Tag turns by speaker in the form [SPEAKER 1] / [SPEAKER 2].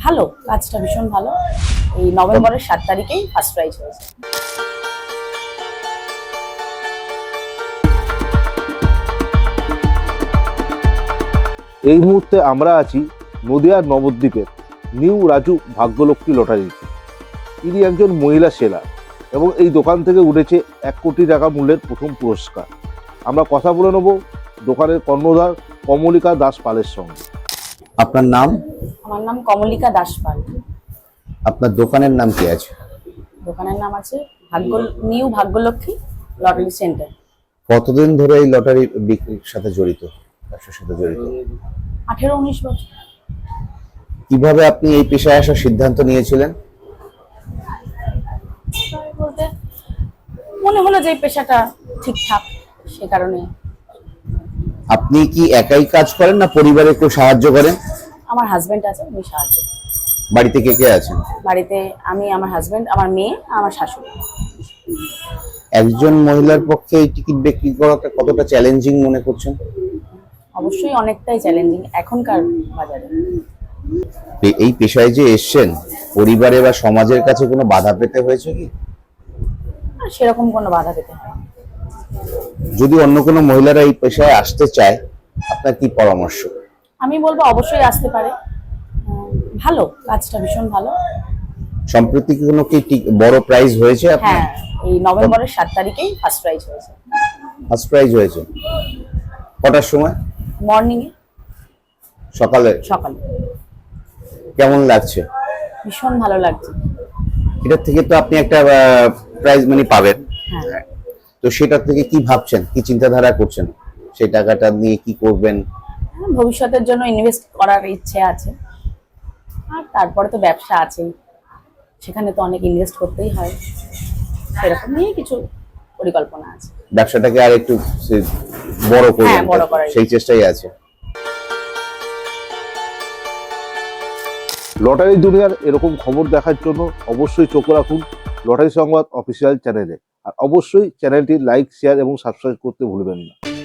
[SPEAKER 1] ভালো, কাজটা ভীষণ ভালো। এই নভেম্বরের 7 তারিখেই ফার্স্ট প্রাইজ হয়েছে।
[SPEAKER 2] এই মুহূর্তে আমরা আছি নদিয়ার নবদ্বীপের নিউ রাজু ভাগ্যলক্ষ্মী লটারিতে। ইনি একজন মহিলা সেলার এবং এই দোকান থেকে উঠেছে 1 কোটি টাকা মূল্যের প্রথম পুরস্কার। আমরা কথা বলে নেব দোকানের কর্ণধার কমলিকা দাস পালের সঙ্গে।
[SPEAKER 3] আপনার নাম?
[SPEAKER 1] আমার নাম কমলিকা দাস পাল।
[SPEAKER 3] আপনার দোকানের নাম কি আছে?
[SPEAKER 1] দোকানের নাম আছে নিউ ভাগ্যলক্ষ্মী লটারি সেন্টার।
[SPEAKER 3] কতদিন ধরে এই লটারি বিক্রির সাথে জড়িত, ব্যবসার সাথে জড়িত?
[SPEAKER 1] 18-19 বছর।
[SPEAKER 3] কিভাবে আপনি এই পেশায় আসার সিদ্ধান্ত নিয়েছিলেন?
[SPEAKER 1] বলতে মনে হলো যে এই পেশাটা ঠিকঠাক, সে কারণে।
[SPEAKER 3] আপনি কি একাই কাজ করেন না পরিবারে কেউ সাহায্য করেন?
[SPEAKER 1] আমার হাজবেন্ড আছে, উনি সাহায্য করেন।
[SPEAKER 3] বাড়িতে কে কে আছেন?
[SPEAKER 1] বাড়িতে আমি, আমার হাজবেন্ড, আমার মেয়ে, আমার শাশুড়ি।
[SPEAKER 3] একজন মহিলার পক্ষে এই টিকিট বিক্রি করাটা কতটা চ্যালেঞ্জিং মনে করছেন?
[SPEAKER 1] অবশ্যই অনেকটাই চ্যালেঞ্জিং এখনকার বাজারে।
[SPEAKER 3] এই পেশায় যে এসছেন, পরিবারে বা সমাজের কাছে কোনো বাধা পেতে হয়েছে কি?
[SPEAKER 1] আর সেরকম কোনো বাধা পেতে হয় না।
[SPEAKER 3] যদি অন্য কোনো মহিলারা এই পেশায় আসতে চায়, আপনার কি পরামর্শ?
[SPEAKER 1] আমি বলবো অবশ্যই আসতে পারে। ভালো, কাজটা ভীষণ ভালো।
[SPEAKER 3] সম্প্রতি কোনো কি বড় প্রাইজ হয়েছে আপনার?
[SPEAKER 1] হ্যাঁ, এই নভেম্বরের 7 তারিখেই ফার্স্ট প্রাইজ হয়েছে।
[SPEAKER 3] ফার্স্ট প্রাইজ হয়েছে কটার সময়?
[SPEAKER 1] মর্নিং এ,
[SPEAKER 3] সকালে।
[SPEAKER 1] সকালে।
[SPEAKER 3] কেমন লাগছে?
[SPEAKER 1] ভীষণ ভালো লাগছে।
[SPEAKER 3] এটার থেকে তো আপনি একটা প্রাইজ মানি পাবেন,
[SPEAKER 1] হ্যাঁ।
[SPEAKER 3] তো সেটা থেকে কি ভাবছেন, কি চিন্তাধারা করছেন? সেই টাকাটা নিয়ে কি করবেন?
[SPEAKER 1] ভবিষ্যতের জন্য ইনভেস্ট করার ইচ্ছে আছে, আর তারপরে তো ব্যবসা আছেই, সেখানে তো অনেক ইনভেস্ট করতেই হয়। সেরকম নিয়ে কিছু পরিকল্পনা আছে।
[SPEAKER 3] ব্যবসাটাকে আর একটু বড় করবেন,
[SPEAKER 1] হ্যাঁ, বড় করার
[SPEAKER 3] সেই চেষ্টাই আছে।
[SPEAKER 2] লটারি দুনিয়ার এরকম খবর দেখার জন্য অবশ্যই চোখ রাখুন লটারি সংবাদ অফিসিয়াল চ্যানেলে। আর অবশ্যই চ্যানেলটি লাইক, শেয়ার এবং সাবস্ক্রাইব করতে ভুলবেন না।